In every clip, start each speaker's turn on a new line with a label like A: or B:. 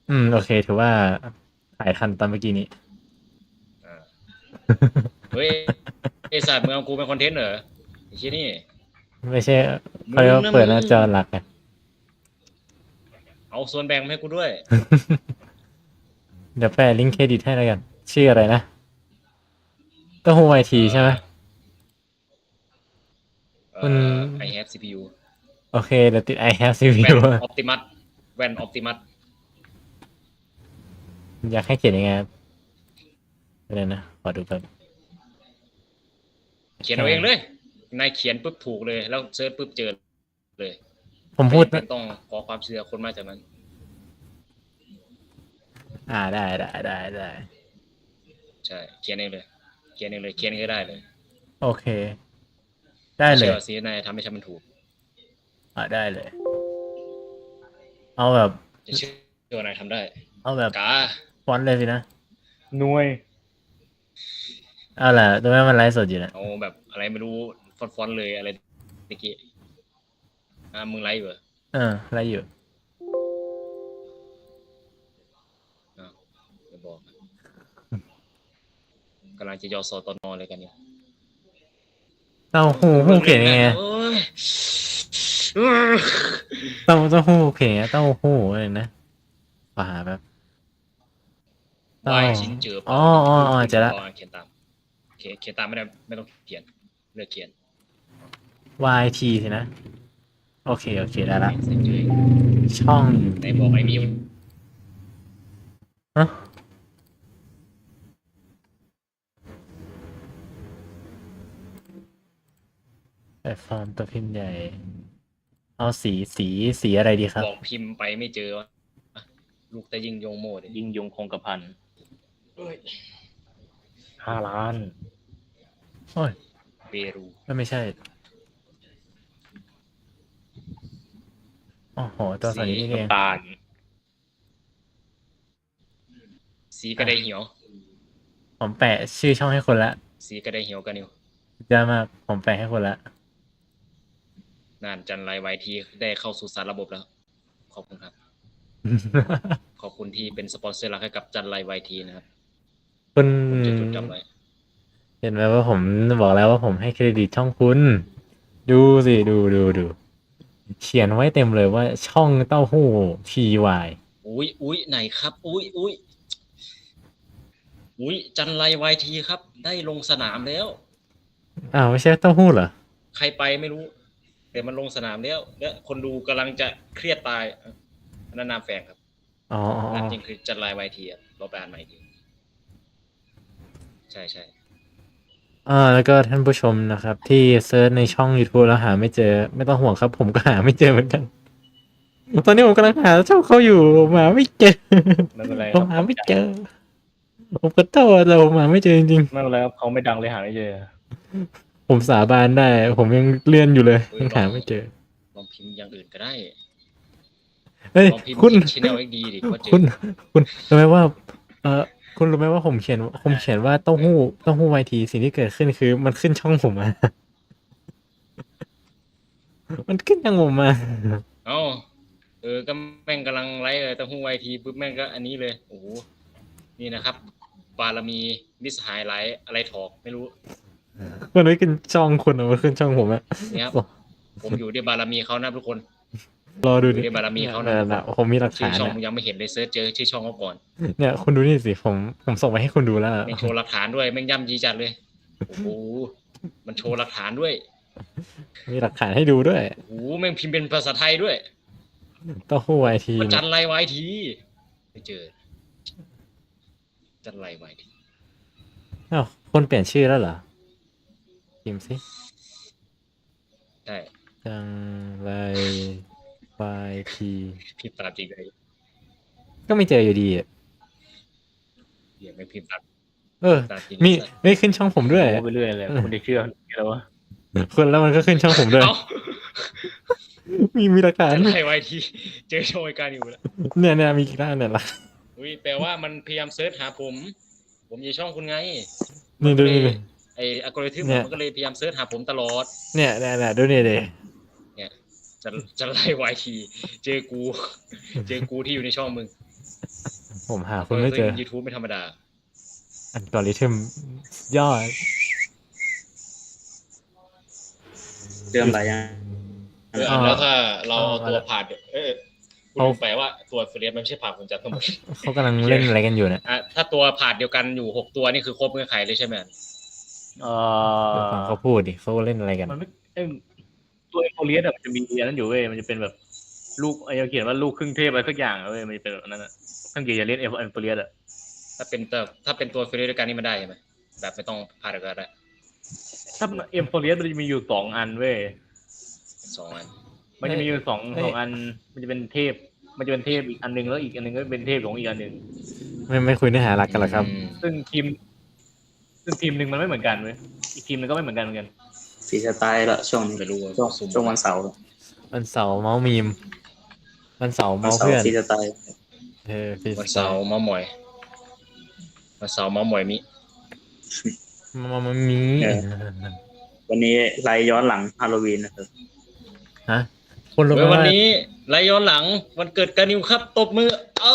A: โอเคถือว่าถ่ายทันตอนเมื่อกี้นี้
B: อ่าเฮ้ยไอสัตว์มึงเอากูเป็นคอนเทนต์เหรอไอ้เชี่ยนี่
A: ไม่ใช่เขา
B: มึง
A: เรียกว่า
B: นะมึง
A: เปิดหน้าจอหลักไง
B: เอาส่วนแบ่งมาให้กูด้วย
A: เดี๋ยวแปะลิงก์เครดิตให้แล้วกันชื่ออะไรนะเต้าหู้ไอที
B: เอ่
A: ใช่ไหม
B: อ
A: คุณ
B: I have CPU
A: โอเคเดี๋ยวติด I have
B: แว่
A: CPU
B: นออปติมัสแว่นออปติมัส
A: อยากให้เขียนยังไงครับอะไรนะขอดูแป๊บ
B: เขียนเอาเองเลยนายเขียนปุ๊บถูกเลยแล้วเซิร์ชปุ๊บเจอเลย
A: ผม
B: ไม่
A: พูด
B: จำเป็นต้องขอความเชื่อคนมากจากนั้น
A: ได้
B: ใช่เขียนเองเลยเขียนเองเลยเขียนเองก็ได้เลย
A: โอเคได้เลย
B: เชื่อสินายทำให้ฉันมันถูก
A: ได้เลยเอาแบบ
B: จะเชื่อว่านายทำได้
A: เอาแบบ
B: กา
A: ฟอนต์เลยสินะ
C: หน่วย
A: เอาล่ะตรงนี้มันไลฟ์สดอยู่นะ
B: เอาแบบอะไรไม่รู้ฟอนต์เลยอะไรตะกี้มึงไลฟ์เหรอ
A: ไลฟ์อยู่
B: จะบอกกำลังจะยอสตนเลยกันเนี่ย
A: เต้าหู้เขียนยังไงเต้าหู้เขียนยังไงเต้าหู้อะไรนะขอหาแบบ
B: วายชิ้นเจอเปล่า
A: เจอละ
B: เขียนตามเขียนตามไม่ต้องเขียนเลือกเขียน
A: YT สินะโอเคได้ละ
B: เซ็นเจอ
A: ช่อง
B: ในบอกไอ้มิว
A: ฮะแบบฟอร์มตัวพิมพ์ใหญ่ เอาสีอะไรดีครับ
B: บอกพิมพ์ไปไม่เจอวะลูกแต่ยิงยงโมด
C: ยิ่งยงคงกระพัน5 ล้าน
A: โอ้ย
B: เปรู
A: ไม่ใช่โอ้โหตัวสันนี้นี่เอง
C: น้ำตาล
B: สีก็ได้เหี่ยว
A: ผมแปะชื่อช่องให้คนละ
B: สีก็ได้เหี่ยวกันอยู่
A: ยอดมากผมแปะให้คนละ
B: นานจันไรไวทีได้เข้าสู่สารระบบแล้ว ขอบคุณครับ ขอบคุณที่เป็นสปอนเซอร์หลักให้กับจันไรไวทีนะครับ
A: คุณ
B: ผมจะจดจำไว้
A: เห็นไหมว่าผมบอกแล้วว่าผมให้เครดิตช่องคุณ ดูสิดูเขียนไว้เต็มเลยว่าช่องเต้าหู้ TY
B: อุ้ยไหนครับ อุ้ยจันไรไวทีครับ ได้ลงสนามแล้ว
A: ไม่ใช่เต้าหู้เหรอ
B: ใครไปไม่รู้ แต่มันลงสนามแล้ว และคนดูกำลังจะเครียดตายอันนั้นนามแฝงครับ
A: อ๋อ
B: นั่นจริงคือจันไรไวทีเราไปอ่านใหม่ทีใช่
A: แล้วก็ท่านผู้ชมนะครับ ที่เซิร์ชในช่อง YouTube แล้วหาไม่เจอ ไม่ต้องห่วงครับ ผมก็หาไม่เจอเหมือนกัน ตอนนี้ผมกำลังหาช่องเขาอยู่ผมหาไม่เจอ
C: ไม่เป็นไรค
A: ผ
C: รั
A: ม
C: บ
A: หาไม่เจอ ผมขอโทษแต่ผมหาไม่เจอจริง
C: ไม่เป็นไรครับเขาไม่ดังเลยหาไม่เจอ
A: ๆผมสาบานได้ ผมยังเลื่อนอยู่เลยยังหาไม่เจอ
B: ลองพิมพ์อย่างอื่นก็ได้
A: เฮ้ย
B: ลองพิมพ์
A: คุณ
B: ชแนลเอ็กดีดิว่าเจอ
A: คุณรู้ไหมว่าคุณรู้ไหมว่าผมเขียนว่าเต้าหู้ไวทีสิ่งที่เกิดขึ้นคือมันขึ้นช่องผมมา มันขึ้นช่องผมมา
B: เอ้าก็แม่งกำลังไลฟ์เลยแต่หูไวทีปุ๊บแม่งก็อันนี้เลยโอ้โหนี่นะครับ บารมีมิสหายไลฟ์อะไรถอกไม่รู้
A: มันไม่ขึ้นช่องคุณมันขึ้นช่องผมอะ
B: นี่ครับผมอยู่ด้วยบารมีเขานะทุกคน
A: รอดู
B: อยู่
A: ดิ
B: ด้วยบารมีเขานะ
A: ผมมีหลัก
B: ชื่อ
A: ฐาน
B: ช่อง
A: นะ
B: มึงยังไม่เห็นเลยเซิร์ชเจอชื่อช่องเขาก่อน
A: เนี่ยคุณดูนี่สิผมส่งไปให้คุณดูแล้ว
B: แม่งโชว์หลักฐานด้วยแม่งย่ำยีจัดเลยโอ้โหมันโชว์หลักฐานด้วย
A: มีหลักฐานให้ดูด้วย
B: โอ้โหแม่งพิมพ์เป็นภาษาไทยด้วย
A: เต้าหู้ไวที
B: ว่าจันไรไวทีไม่เจอจันไรไวที
A: คนเปลี่ยนชื่อแล้วเหรอพิมพ์สิ
B: ใช่
A: จังไรไวที
B: พิมพ์ตามจริงเลย
A: ก็ไม่เจออยู่ดีอ่ะ
B: เดี๋ยวไม่พิมพ์ตาม ตามจริง
A: ไม่ขึ้นช่องผมด้วย
C: โอ้ไปเรื่อยเลยคุณจะเชื่อแล้ววะ
A: คนแล้วมันก็ขึ้นช่องผมด้วย
B: เอ้า
A: มีหลักฐาน
B: จันไรไวทีเจอโชว์การอยู่แล้ว
A: เนี่ยมีกี่ด้านเนี่ยล่ะ
B: อุ้ยแปลว่ามันพยายามเซิร์ชหาผม ผมอยู่ช่องคุณไง
A: นี่ดูนี่
B: ไออัลกอริทึม
A: เนี่ย
B: มันก็เลยพยายามเซิร์ชหาผมตลอด
A: เนี่ยดูนี่เลย
B: เนี่ยจะไล่ไวทีเจอกูที่อยู่ในช่องมึง
A: ผมหาคุณไม่เจอ
B: YouTube ไม่ธรรมดา
A: อัลกอริทึมยอด
D: เริ่มอะไรยัง
B: แล้วถ้าเราเอา
A: เอา
B: ตัว
A: ละ
B: ผ่านคุณ
A: เอา
B: ลืมไปว่าตัวเฟรนมันไม่ใช่ผ่านคุณจัดทั้งหมด
A: เขากำลังเล่นอะไรกันอยู่เนี่ย
B: ถ้าตัวผ่านเดียวกันอยู่6ตัวนี่คือครบเงื่อนไขเลยใช่ไหม
C: เอ
A: เดี๋ยวฟังเขาพูดดิเขาเล่นอะไรกัน
C: มันไม่ตัวเอ็มโพเลียสมันจะมีอันนั้นอยู่เว้ยมันจะเป็นแบบลูกไอ้เขียนว่าลูกครึ่งเทพอะไรสักอย่างเว้ยมันจะเป็นแบบนั้นอ่ะทั้งเกียร์จะเล่นเอ็มโพเลียสอ่ะ
B: ถ้าเป็นตัวเฟรนด้วยกันนี่มันได้ใช่ไหมแบบไม่ต้องผ่านเดียวกันได้
C: ถ้าเอ็มโพเลียสมันจะมีอยู่2 อันเว้ย
B: 2 อัน
C: มันจะมีอยู่สอง
A: เอ้ย
C: อันมันจะเป็นเทพอีกอันนึงแล้วอีกอันนึงก็เป็นเทพของอีกอันนึง
A: ไม่คุยเนื้อหาหลักกันหรอครับ
C: ซึ่งทีมหนึ่งมันไม่เหมือนกันเว้ยอีกทีมหนึงก็ไม่เหมือนกันเหมือนกัน
D: ฟรีสไตล์ละช่วงนี้
B: ไม่รู้ว่า
D: ช่วงวันเสาร์
A: วันเสาร์เมาส์มีม วันเสาร์
D: วัน
A: เมาส์
D: เสาร์
A: เพื่อน
D: ฟรีสไตล์
A: ฟี
B: วันเสาร์เมาส์มอยวันเสาร์เมาส์มอยมิ
A: มันมี
D: วันนี้ไลฟ์ย้อนหลังฮาโลวีนนะครับ
A: ฮะคนรู้
B: เฮ้ย
A: ไหม
B: วัน
A: ว่า
B: นี้ไลฟ์ย้อนหลังวันเกิดกานิวครับตบมือ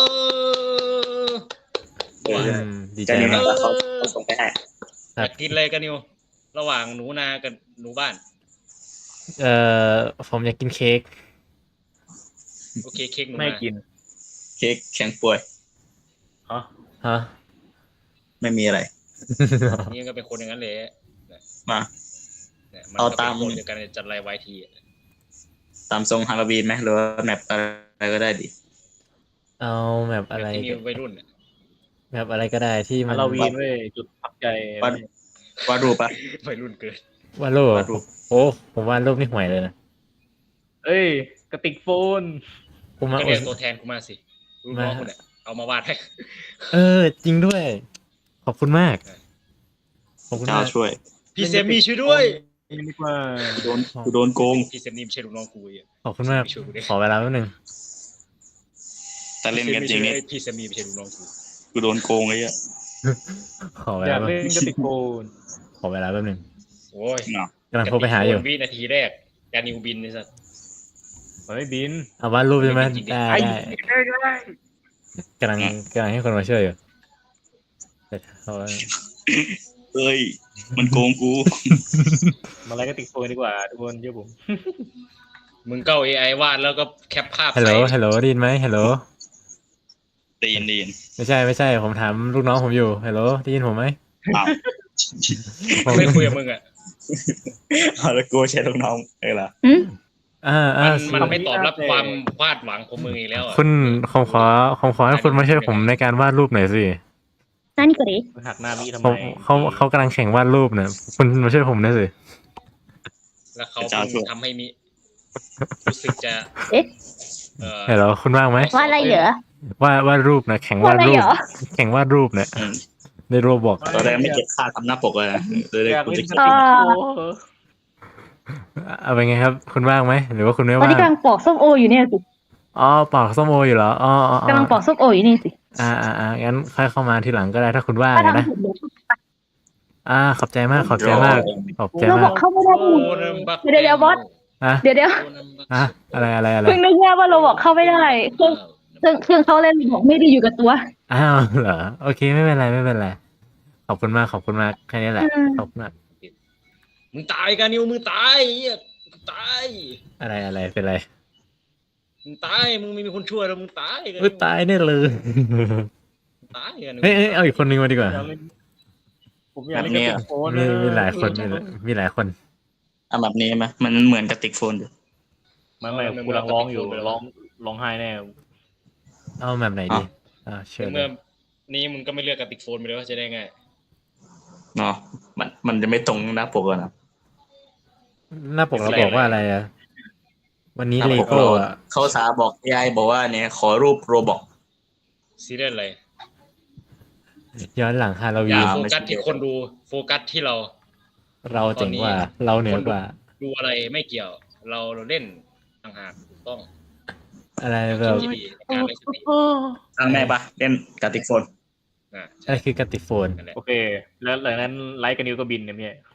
A: ดีใจ
D: ก็นี่
A: มา
D: นะ
A: ก
D: เขาส่งไปให้
B: อยากกินอะไรกานิวระหว่างหนูนากับหนูบ้าน
A: เอ่อผมอยากกินเค้ก
B: โอเคเค้กหนู
C: ไม่
B: นา
C: กิน
D: เค้กแข็งป่วย
C: ฮะ
A: ฮะ
D: ไม่มีอะไร
B: นี่ก็เป็นคนอย่างนั้นเลย
D: มา
B: เนี่ยมัน
D: เอา
B: ก็
D: ตา
B: เป็
D: ม
B: นคนเดียวกันจัดไลฟ์ไวที
D: ตามทรงฮาโลวีนไหมหรือว่าแมปอะไรก็ได้ดิ
A: เอาแบบอะไร
B: ที่มีวัยรุ่น
A: แบบอะไรก็ได้ที่มั
C: ฮาน โลวีนเว้ยจุดพักใจ
D: วาดรูปปะ
B: วัยรุ่นเกิน
A: วาดรูป
D: วาดรูป
A: โอ้ผมวาดรูปนี่ห่วยเลยนะ
C: เอ้ยกระติกโฟน
A: ผมมา
B: ก็เรียกตัวแทนกูมาสิลูกน้องคุณเนี่ยเอามาวาดให้
A: จริงด้วย ขอบคุณมากขอบคุณ
D: เจ้าม
A: าก
D: ช่วย
B: พี่เซมี่ช่วยด้วย
C: นี่ดีกว่า
D: โดนโกง
B: พี่เซมี่ไม่ใช่ลูกน้องกูอ่ะ
A: ขอบคุณมาก
B: ช่วยกูดิ
A: ขอเวลาแป๊บนึง
D: แต่เล่นกันจริงนี่
B: พี่เซมี่ไม่ใช่ลูกน้องกู
D: กูโดนโกงไอ้เหี้ย
A: ขอเว
C: อยา
A: ลาก
C: เล่นกระติกโฟน
A: ขอเวลาแป๊บนึง
B: โอ้ย
D: เนาะ
A: กำลังโทรไปหาอยู่
B: วินาทีแรกกานิวบินนี่สัส
C: มันไม่บิน
A: เอาวาดรูปใช่ไหม
B: จริงๆ
A: ได้
C: ไอ้
A: ได้ กำลังให้คนมาช่วยอยู่แต่เขา
D: เอ้ย มันโกงกู
C: มาอะไรกระติกโฟนดีกว่าทุกคนเชื่อผม
B: มึงเก้า AI วาดแล้วก็แคปภาพ
A: ฮัลโหล
B: ใส่
A: ฮัลโหลได้ยินไหมฮัลโหล
D: ตีน
A: ไม่ใช่ผมถามลูกน้องผมอยู่ฮัลโหลได้ยินผมไหม
D: อ้าว
A: ผม
B: ไม่คุยกับมึงอ่ะ
D: เอาแล้วกูใช้ลูกน้องเออล่ะ
B: มันไม่ตอบรับความวาดหวังของมึงอีกแล้วอ่ะ
A: คุณผมขอให้คุณมาช่วยผมในการวาดรูปหน่อยสิ
E: 何これ
C: มันหักหน้ามีทำไม
A: เขากำลังแข่งวาดรูปเนี่ยคุณมาช่วยผมหน่อยสิ
B: แล้วเขาเพิ่งทำให้มีรู้สึกจะ
E: เอ๊ะ
A: ฮัลโหลคุณว่างไหม
E: ว่าอะไรเหรอ
A: วาดรูปนะแข่งา
E: ว่าวอะ
A: ด
E: ไร
A: รู
E: เห
A: ป
E: รอ
A: แข่งวาดรูปเนี่ย
D: อืม
A: ในโรบอก
D: ตอนแรกไม่เก็บค่าทำหน้าปกเลยนะเลย
C: อยาก
D: กู
C: เล่น
D: จะ
C: กระ
D: เก็บ
C: ติกโฟน
A: เอาเป็นไงครับ คุณว่างไหมหรือว่าคุณไม่
E: ตอน
A: ว่าง
E: นี้กำลังปอกส้มโออยู่เนี่ยสิ
A: อ๋อปอกส้มโออยู่เหรออ๋อก
E: ำลังปอกส้มโออยู่นี่สิ
A: งั้นค่อยเข้ามาทีหลังก็ได้ถ้าคุณว่าง
E: ถ้า
A: นะ
E: ทำถูกเดี๋ยว
A: ขอบใจมากขอบใจมากขอบใจ
E: เราบ
A: มา
E: อก กเข้าไม่ได้
B: โอ้นัมบัก
E: เดี๋ยวบอส
A: อ่ะ
E: เดี๋ยว
A: อ่ะอะไร
E: เพิ่งนึกว่าเราบอกเข้าไม่ได้เครื่องเขาเล่นบอกไม่ได้อยู่กับตัว
A: อ้าวเหรอโอเคไม่เป็นไรขอบคุณมากแค่นี้แหละ
E: อืม
A: ขอบคุณมาก
B: มึงตายกันนิวมึงตายเหี้ยมึงตาย
A: อะไรเป็นไร
B: มึงตายมึงไม่มีคนช่วยแล้วมึงตายกัน
A: ตายแน่เลย
B: ตายกัน
A: เฮ้ยเอาอีกคนนึงมาดีกว่า
C: ผมอยากเล่นกระติกโฟน
A: มีหลายคนมีหลายคน
D: เอาแบบนี้ไหมมันเหมือนกระติกโฟนอยู่
C: ไม่กูกำลังร้องอยู่ร้องไห้แน่
A: เอาแบบไหนดีเชิญ
B: เมื่อนี้มึงก็ไม่เลือกกระติกโฟนไปเลยว่าจะได้ไง
D: เนาะมันจะไม่ตรงหน้าปกอะนะ
A: หน้าปกเราบอกว่าอะไรอะวันนี้
D: หน้า
A: เล
D: ปก
A: โก้
D: เรา
A: อะ
D: เขาสาบอก AI บอกว่าเนี่ยขอรูปโรบอก
B: ซีเรียสอะไร
A: ย้อนหลังฮาโล
B: อ
A: วี
B: ย่าน โฟกัสที่คนดูโฟกัสที่เรา
A: เราเจ๋งกว่าเราเหนือกว่า
B: ดูอะไรไม่เกี่ยว เราเล่นต่างหากถูกต้อง
A: อะไรแบบ
B: ที่ดีในการเล่นสติ
D: ทางแม่ปะเล่นกระติกโฟน
B: นะ
A: อะไรคือกติโฟน
B: นั่นแหละ
C: โอเค แล้วหลังนั้นไลค์กับนิวก็บินเนี่ยพี่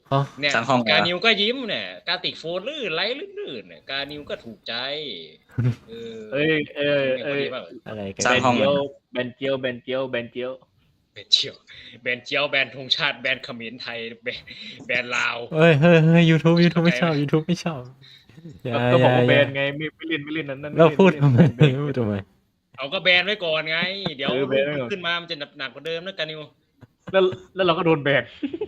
A: อ๋อ
B: เนี่ย
D: สร้างห้อง
B: กา
D: เหรอ
B: นิวก็ยิ้มเนี่ยกาติกโฟนลื่นไหลลื่นๆเนี่ยกานิวก็ถูกใจเออ
C: เอ้ยเอ้ย
B: เนี่ย
C: เอ้
B: พ
C: ย
B: อดีป่ะ
A: อะไรกัน
D: สร้างห้อง
C: เจียวแบนเจียวแบนเจียวแบนเจียว
B: แบนเจียวแบนเจียวแบนธงชาติแบนเขมรไทยแบนลาว
A: เฮ้ยYouTube ไม่ชอบ
B: เข้าใจไหม
A: YouTube ไม่ชอบอย่า
C: ก็บอกว่า
A: อย่า
C: แบ
A: อย่าน
C: ไงไม่เล่นไม่เล่นนั้น
A: เราพูด
C: ไม่
A: ทำไม
C: เล่นแบน
A: พูดทำไม
B: เอาก็แบนไว้ก่อนไง เดี๋ยว
C: แบนไว้ก่อน
B: ขึ้นมามันจะหนักกว่าเดิมนะกานิว
C: แล้วเราก็โดนแบน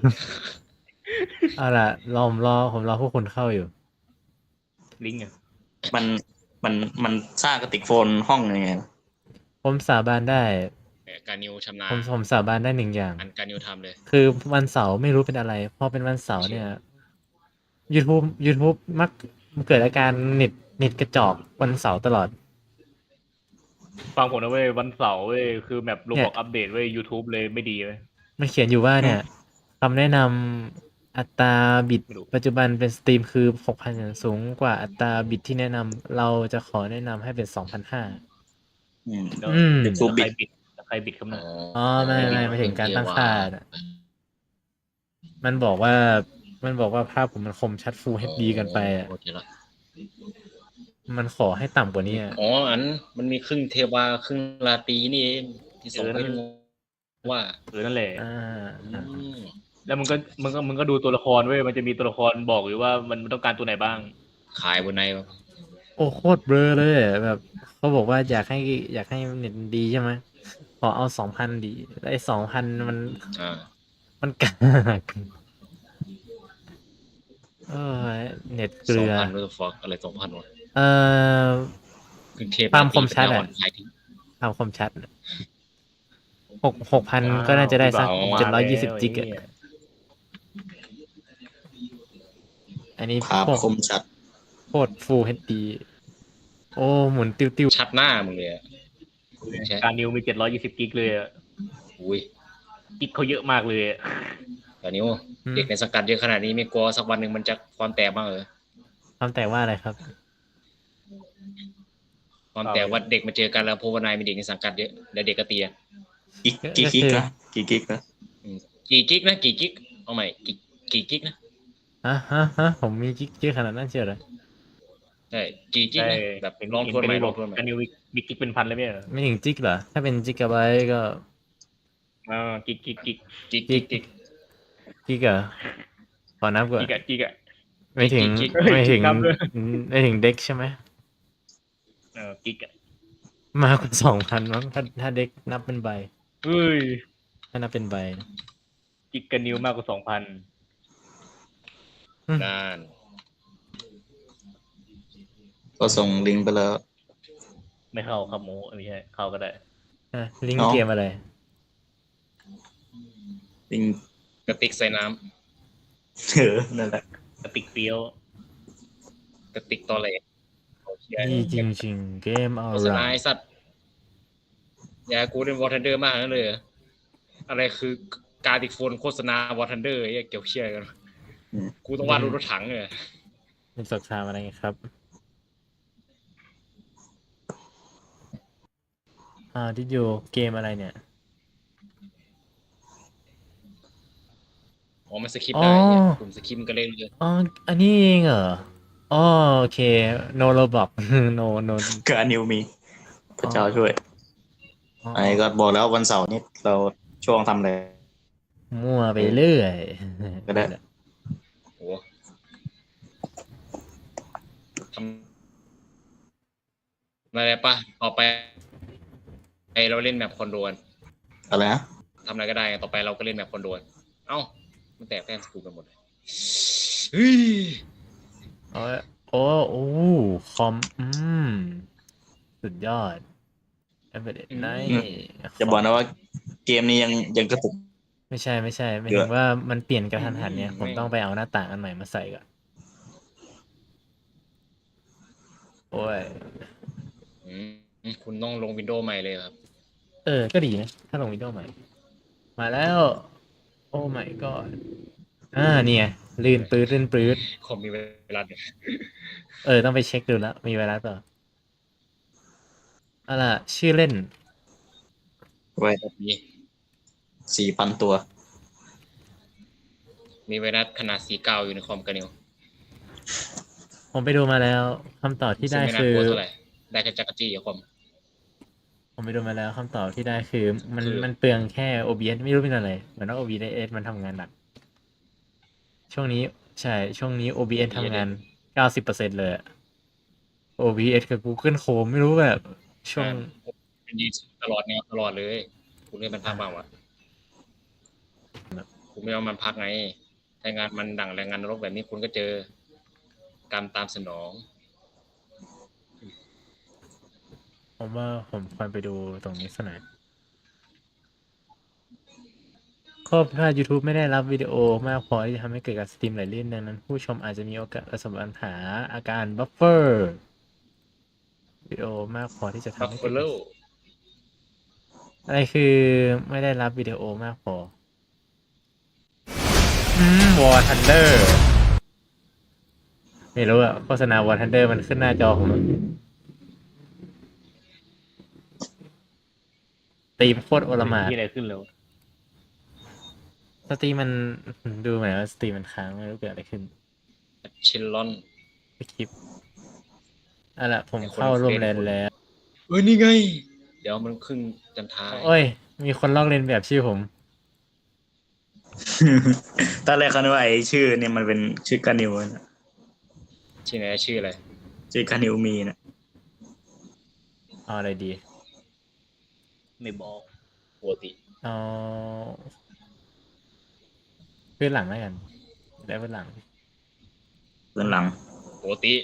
A: เอาล่ะผมรอพวกคุณเข้าอยู่
C: ลิงก์อ่ะ
D: มันมันสร้างกระติกโฟนห้องยังไง
A: ผมสาบานได้
B: เนี่ยกานิวชำนาญ
A: ผมสาบานได้หนึ่งอย่าง
B: อันกานิวทำเลย
A: คือวันเสาร์ไม่รู้เป็นอะไร พอเป็นวันเสาร์เนี่ย YouTube มักเกิดอาการเน็ตกระจอกวันเสาร์ตลอด
C: ฟังผมนะเว้ยวันเสาร์เว้ยคือแมปโร
A: เนี่
C: บอก
A: ย
C: อัปเดตเว้ย YouTube เลยไม่ดีเว้ย
A: มันเขียนอยู่ว่าเนี่ยคำแนะนำอัตราบิต
C: ไม่รู้
A: ปัจจุบันเป็นสตรีมคือ 6,000 สูงกว่าอัตราบิตที่แนะนำเราจะขอแนะนำให้เป็น 2,500
D: อืม
C: แล้ว
A: อืม
C: แล้วใครบิดใครบิดคำนั้น
A: อ๋อไม่ถึงการตั้งค่าน่ะมันบอกว่าภาพผมมันคมชัด Full HD กันไปอ่ะ
B: โอเคละ
A: มันขอให้ต่ำกว่านี้อ่ะ
B: อ๋ออันมันมีครึ่งเทวาครึ่งราตรีนี่เองที่ส่งให้งงว่า
C: นั่นแหละ
A: อ่า
B: อืม
C: แล้วมึงก็ดูตัวละครเว้ยมันจะมีตัวละครบอกอยู่ว่ามันต้องการตัวไหนบ้าง
B: ขายบนไหนวะ
A: โอ้โคตรเบลอเลยอะแบบเขาบอกว่าอยากให้เน็ตดีใช่ไหมขอเอา 2,000 ดีแล้วไอ้ 2,000
B: อ่า
A: มันกากเออเน็ตเกลือ
B: 2,000 what the fuck อะไร 2,000 วะ
A: เอ่อ
B: ครึ่งเทพ
A: ความคมชัดอะ
B: ปัญญาอ่อนขายทิ้ง
A: ความคมชัด6,000 ก็น่าจะได้สัก
C: อ้าว
A: 720 จิกอะ
C: มาแล้ว
A: อันนี้
D: ภาพ
A: พวก
D: คมชัด
A: โคตร Full HD โอ้หมุนติ้ว
B: ชัดหน้ามึงเลยอะใช่
C: การนิวมี720กิกเลยอะ
B: อุ้ย
C: กิกเขาเยอะมากเลยอะ
B: ตอนนี้เด็กในสังกัดเยอะขนาดนี้ไม่กลัวสักวันหนึ่งมันจะความแตกบ้างเหรอ
A: ๆความแต่ว่าอะไรครับ
B: ความแตกว่าเด็กมาเจอกันแล้วพบว่านายมีเด็กในสังกัดเยอะแล้วเด็กก็เตีย
D: กี่กิกนะกี่กิกนะ
B: กี่กิ๊กนะกี่กิ๊กเอาใหม่กี่กิ๊กนะ
A: ฮะผมมีจิกเยอะขนาดนั้นเชียวเหรอ
B: ใช่กี่กิ๊ก
C: ใช่
B: นะแบบลองทวนใหม่ลองทวนใหม่
C: การนิวมีกิกเป็นพันเลยเนี่ย
A: ไม่ถึงจิกเหรอ ถ้าเป็นจิกะไบต์ก็
C: กิก
B: กิ๊กกิ๊กกิ๊ก
A: จิกเหรอขอนับก่อน
C: กิกอะ
A: ไม่ถึง
B: กิ๊ก
A: ไม่ถึง
C: นับเลย
A: ไม่ถึงเด็กใช่ไหม
C: กิกอะ
A: มากกว่า 2,000 มั้งถ้าเด็กนับเป็นใบ
C: เฮ้ย
A: ถ้านับเป็นใบ
C: กิกกับนิวมากกว่า 2,000
B: นาน
D: ก็ส่งลิงก์ไปแล้ว
C: ไม่เข้าครับหมูไม่ใช่เข้าก็ได้
A: ลิงก์
D: เอ้า
A: เกมอะไร
D: ลิงก์
B: กระติกใส่น้
D: นั่นแหละ
C: กระติกเฟี้ยว
B: ำกระติกตอแหลโอเค
A: นี่จริงๆ เกมออ
B: โฆษ
A: ร่า
B: ณาไอ้สัตว์อย่ากูเล่นวอร์ทันเดอร์มากนั่นเลยเหรออะไรคือการติกโฟนโฆษณาวอร์ทันเดอร์ไอ้เกี่ยวเชี่ยกันกูต้องวาดรูปรถถังเลย
A: เป็นสงครามอะไรครับ ดิโยเกมอะไรเนี่ย
B: อ๋อมันสคริปต์ได้เนี่ย
A: อ๋อ
B: กลุ่มสคริปต์มันก็เล่นเลย
A: อ๋อ อันนี้เองเหรอ อ๋อ โอเค no roblox no
D: การนิวมีพระเจ้าช่วย
A: อ๋อ
D: ไอ้ก็บอกแล้ววันเสาร์นี้เราช่วงทำอะไร
A: มั่วไปเรื่อย
D: ก็ได้
B: โอ้ทำอะไรปะต่อไปเราเล่นแมปคอนโดน
D: อะไรนะ
B: ทำอะไรก็ได้ไงต่อไปเราก็เล่นแมปคอนโดนเอ้ามันแตกแต้มสกูกันหมดเลยเฮ้ย
A: โอ้คอม สุดยอด Embedded Night
D: จะบอกนะว่าเกมนี้ยังกระตุก
A: ไม่ใช่ไม่
D: เย
A: ถึ
D: อะ
A: งว่ามันเปลี่ยนกระทันหันเนี่ย ผมต้องไปเอาหน้าต่างอันใหม่มาใส่ก่อน โอ้ย
B: อืมคุณต้องลงวินโดว์ใหม่เลยครับ
A: ก็ดีนะ ถ้าลงวิดีโอใหม่ มาแล้ว โอ้ my god เนี่ยลื่นปื๊ด
B: คอมมีเวลาเนี่ย
A: ต้องไปเช็คดูแล้ว มีไวรัสเปล่าล่ะ ชื่อเล่น
D: ไว้
B: นี่
D: 4,000 ตัว
B: มีไวรัสขนาด49อยู่ในคอมกันนิว
A: ผมไปดูมาแล้วคำตอบที่
B: ซึ่ง
A: ได้
B: ไม่น่า
A: คือก
B: ลัวเท่าไหร่ได้แค่จักรจี้กับคอม
A: ผมไปดูมาแล้วคำตอบที่ได้คือมัน
B: คือ
A: มันเปลืองแค่ OBS ไม่รู้เป็นอะไรเหมือนว่า OBS มันทำงานหนักช่วงนี้ใช่ช่วงนี้ OBS ทำงาน 90%เลยอะ OBS กับ Google Chrome ไม่รู้แบบช่วง
B: มันยืนตลอดแนวตลอดเลยคุณให้มันพักบ้างวะคุณไม่เอามันพักไงถ้างานมันดั่งแรงงานนรกแบบนี้คุณก็เจอกรรมตามสนอง
A: ผมว่าผมควรไปดูตรงนี้สักหน่อยข้อผิดพลาด YouTube ไม่ได้รับวิดีโอมากพอที่จะทำให้เกิดการสตรีมไหลลื่นดังนั้นผู้ชมอาจจะมีโอกาสประสบปัญหาอาการบัฟเฟอร์วิดีโอมากพอที่จะ
B: บั
A: ทำ
B: ฟ
A: ให้
B: เฟ
A: เกิด
B: โล
A: อะไรคือไม่ได้รับวิดีโอมากพอวอร์ทันเดอร์ไม่รู้อะโฆษณาวอร์ทันเดอร์มันขึ้นหน้าจอผมตีมโคตรโอลหม่าน
C: ที่อะไรขึ้นแล้ว
A: สตรีมมันดูเหมือนว่าสตรีมมันค้างไม่รู้เกิดอะไรขึ้น
B: ชิลลอน
A: ไปคลิปเอาล่ะผมเข้าร่วมแลนแล้ว
B: นี่ไง เดี๋ยวมันขึ้นจันทาย
A: โอ้ย มีคนลอกเลียนแบบชื่อผม
D: ตอนแรกเขาคิดว่าไอ้ชื่อเนี่ยมันเป็นชื่อกานิวนะ
B: ชื่อไหนชื่ออะไร
D: ชื่อกานิวมีนะ
A: เอาอะไรดี
C: ไม่บอก
B: ปกติ
A: เอาพื้นหลังแล้วกันได้พื้นหลัง
D: เบื้องหลัง
B: ปกติ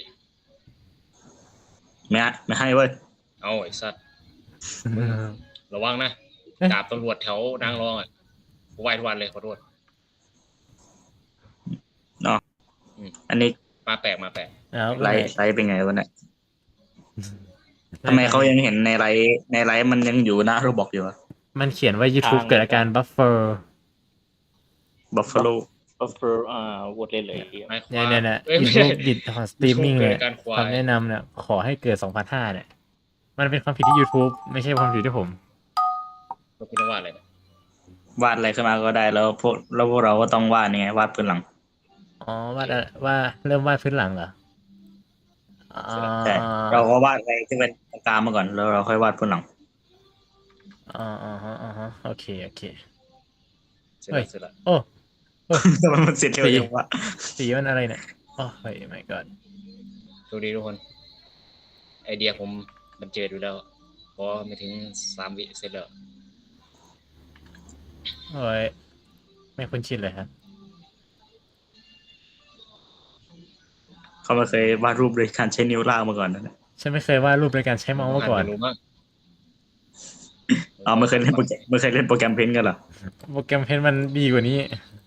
D: ไม่ให้เว้ย
B: เอาไอ้สัตว์ระวังนะ
A: เอ๊ะ
B: ดาบตำรวจแถวนางรองอ่ะไหวทุกวันเลยขอโทษ
D: อันนี้
B: มาแปลกมาแปลก
A: แล้ว
D: ไลฟ์เป็นไงวะเนี่ยทำไมเขายังเห็นในไลฟ์มันยังอยู่หน้าโรบอกอยู่อะ
A: มันเขียนว่า YouTube เกิดอาการบัฟเฟอร์
D: บัฟฟาโล
C: บัฟเฟอร์วอดเล่นเลยไอ้เหี้ย
B: ไม้ควา
A: เนี่ย
B: ย
A: เนี่ย
B: เอ้ยไม่ใช่
A: YouTube บิดของสตรีมมิ่ง
B: เกิ
A: เนี่
B: ด
A: ย
B: การควาย
A: คำแนะนำเนี่ยขอให้เกิด 2005 เนี่ย มันเป็นความผิดที่ YouTube ไม่ใช่ความผิดที่ผม
B: เราคุณว่าอะไรนะ
D: วาดอะไรขึ้นมาก็ได้แล้วพวกเราก็ต้องวาดไงวาดพื้นหลัง
A: อ๋อว่าเริ่มวาดพื้นหลังเหรออ๋อ
D: ใช่เราก็วาดอะไรที่เป็นตรงกลางมาก่อนแล้วเราค่อยวาดพื้นหลัง
A: ฮะโอเค
B: เสร็จแล้วเสร็จแล้ว
A: โอ้
D: แต่มันเสร็จเร็วจังวะ
A: สีมันอะไรเนี่ยโอ้ย my god
B: สวัสดีทุกคน ไอเดียผมมันเจออยู่แล้วเพราะไม่ถึง3 วิเสร็จแล้ว
A: โอ้ยไม่คุ้นชินเลยครับ
D: เขาไม่เคยวาดรูปโดยการใช้นิ้วลากมาก่อนนะ
A: ฉันไม่เคยวาดรูปโดยการใช้เมาส์มาก่อน
B: ไม่รู้มั้ง
D: ไม่เคยเล่นโปรแกรมเพนท์กันเหรอ
A: โปรแกรมเพนมันดีกว่านี้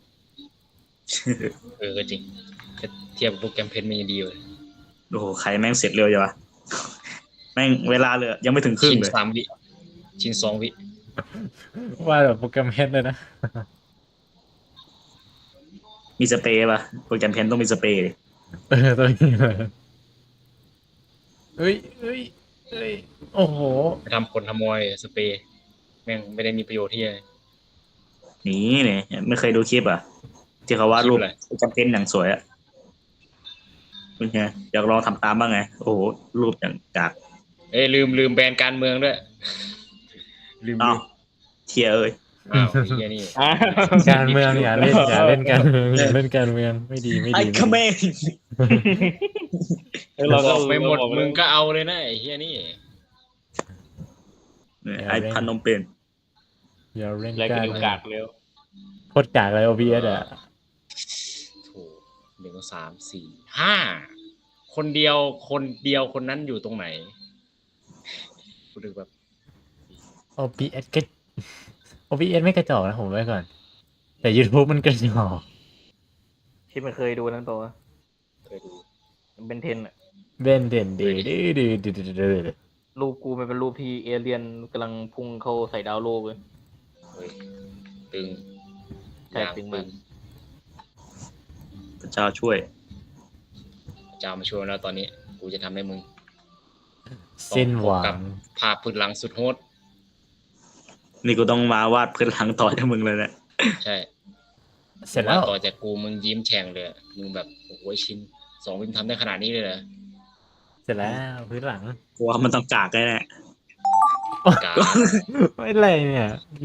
B: ก็จริงถ้าเทียบกับโปรแกรมเพนมันยังดีเลย
D: โอ้โหใครแม่งเสร็จเร็วจังวะแม่งเวลาเลยยังไม่ถึงครึ่ง
B: ชิ้น
D: เลย
B: 3 วิชิ้น2 วิ
A: วาดแบบโปรแกรมเพนเลยนะ
D: มีสเปรย์ป่ะโปรแกรมเพนท์ต้องมีสเปรย์ดิ
A: ตัวนี้เลยเฮ้ย โอ้โห
B: ไปทำคนขโมยสเปรย์แม่งไม่ได้มีประโยชน์ที่อะไร
D: นี่เนี่ยไม่เคยดูคลิปอ่ะที่เขาวาดรูป
B: คลิปอะไร
D: โปรแกรมเพนท์อย่างสวยอ่ะเป็นไงอยากลองทำตามบ้างไงโอ้โหรูปอย่างจาก
B: เอ้ยลืมแบนการเมืองด้วย ลืม
D: อ้าวเทียเอ้ย
B: อ้าวไอ้เฮียนี่
A: การเมืองอย่าเล่นการเมืองอย่าเล่นการเมืองไม่ดี
D: ไอ้คเมน
B: บอกไปหมดมึงก็เอาเลยนะไอ้เฮียนี่
D: ไอ้พันนมเปญ
A: อย่าเล่น
C: แล้วก็
A: การ
C: ดู
A: เมือง
C: กากเร็ว
A: โคตรกากเลย OBS อ่ะ
B: โถ1 3 4 5คนเดียวคนนั้นอยู่ตรงไหนกูดูแบบ
A: OBS ก็ OBS ไม่กระจอกนะผมไว้ก่อน แต่ YouTube มันกระจอก
C: ที่มันเคยดูนั้นตัว
B: เคยดู
C: มันเป็นเทนอะ
A: เบนเด่นดื้อดื้อ
C: รูปกูมันเป็นรูปที่เอเลียนกำลังพุ่งเข้าใส่ดาวโลกเลย
B: เฮ้ยตึง
C: ใช่
B: อย่าง
C: ตึง
B: ตึ
C: มาก
B: ง
D: พระเจ้าช่วย
B: เจ้ามาช่วยแล้วตอนนี้ กูจะทำให้มึง
A: สิ้นหวั
B: กับ
A: ง
B: ภาพพื้นหลังสุดโหด
D: นี่กูต้องมาวาดพื้นหลังต่อจากมึงเลยเนี่ย
B: ใช่
A: เสร็จแล้ว
B: ต่อจากกูมึงยิ้มแฉ่งเลยอะมึงแบบโอ้โหชิน2มึงทำได้ขนาดนี้เลยเหรอ
A: เสร็จแล้วพื้นหลัง
D: กลัวมันต้องกากแน่
B: กา
A: ไม่ไรเนี่ย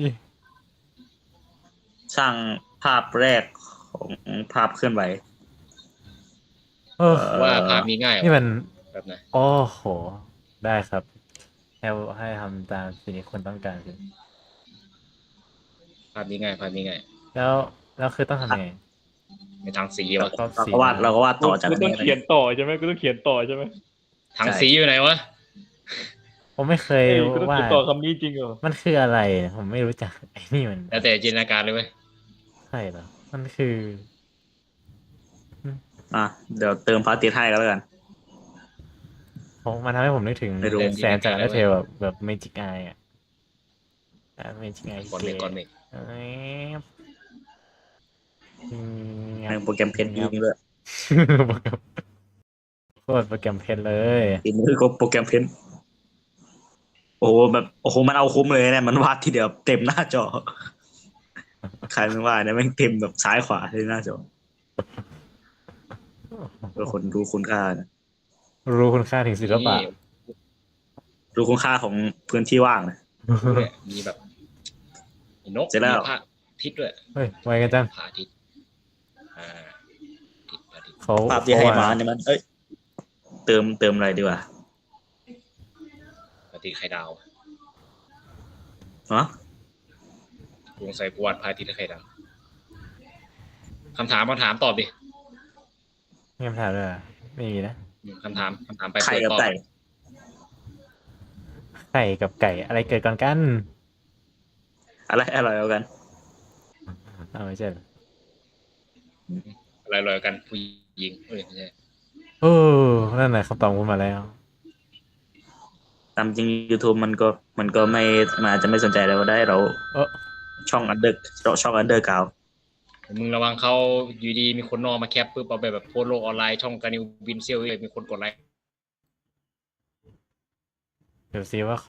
D: ๆสร้างภาพแรกของภาพเคลื่อนไหว
A: โอ้
B: ว่าภาพนี้ง่าย
A: นี่มัน
B: แบบไหน
A: โอ้โห ได้ครับให้ทำตามสิ่งที่คนต้องการสิ
B: ภาพนี้ง่ายภาพนี้ง่าย
A: แล้วคือต้องทำยังไง
B: ในทางสี
D: เรา
B: วะ
D: เราก็วาดต่อจาก
C: กู
D: อัน
C: ต้อ
D: นี้
C: งเขียนต่อใช่ไหมกูต้องเขียนต่อใช่ไหม
B: ทางสีอยู่ไหนวะ
A: ผมไม่เคย
C: เอ้ยกูต้อง
A: ว่า
C: เขียนต่อคำนี้จริงเหรอ
A: มันคืออะไร ผมไม่รู้จักไอ้นี่มัน
B: แล้วแต่จินตนาการเลยเว้ย
A: ใช่เหรอ มันคือ
D: อ่ะเดี๋ยวเติมพาร์ติให้กันแล้วกัน
A: มันทำให้ผมนึกถึง
D: ไม่รู้
A: แซนจากเทลแบบเมจิกไออะเมจิกไอ
B: ก่อนเมกก่อนเมก
D: ในโปรแกรมเพนยิงด้วย
A: โคตรโปรแกรมเพชรเลย
D: ทีนี้ก็โปรแกรมเพนโอ้โหแบบโอ้โหมันเอาคุ้มเลยเนี่ยมันวาดทีเดียวเต็มหน้าจอ ใครไม่ว่าเนี่ยแม่งเต็มแบบซ้ายขวาที่หน้าจอเพื่อคนรู้คุณค่านะ
A: รู้คุณค่าถึงศิลปะ
B: นี่
D: รู้คุณค่าของพื้นที่ว่างนะ
B: ด้วยมีแบบมีนก
D: เสร็จแล้ว
B: มีพระอาทิตย์ด้วย
A: เฮ้ยไวกันจัง
B: พระอาทิตย์อ่าพระอาทิตย์
A: เขา
D: ภาพที่ให้มาเนี่ยมันเอ้ยเติมอะไรดีกว่า
B: พระอาทิตย์ไข่ดาว
D: ฮะ
B: กูสงสัยกูวาดพระอาทิตย์ไข่ดาวคำถามตอบดิ
A: มีคำถามด้วยเหรอไม่มีนะ
B: คำถามไป
D: ไข่กับ
B: ตอบ
D: ไก่
A: ไข่กับไก่อะไรเกิดก่อนกัน
D: อะไรอร่อยกว่ากัน
A: เอาไม่ใช่เหรอ
B: อะไรลอยกันผู้หญิงเอ้ยไม่ใช่
A: โอ้นั่นแหละคำตอบคุณมาแล้ว
D: ตามจริง YouTube มันก็ไม่มันอาจจะไม่สนใจเราได้เรา
A: เออ
D: ช่องอันเดอร์กาว
B: มึงระวังเขาอยู่ดีมีคนนอกมาแคปปุ๊บเอาไปแบบโพสต์โลกออนไลน์ช่องการนิวบินเซียวเลยมีคนกดไลค์
A: เดี๋ยวซิว่า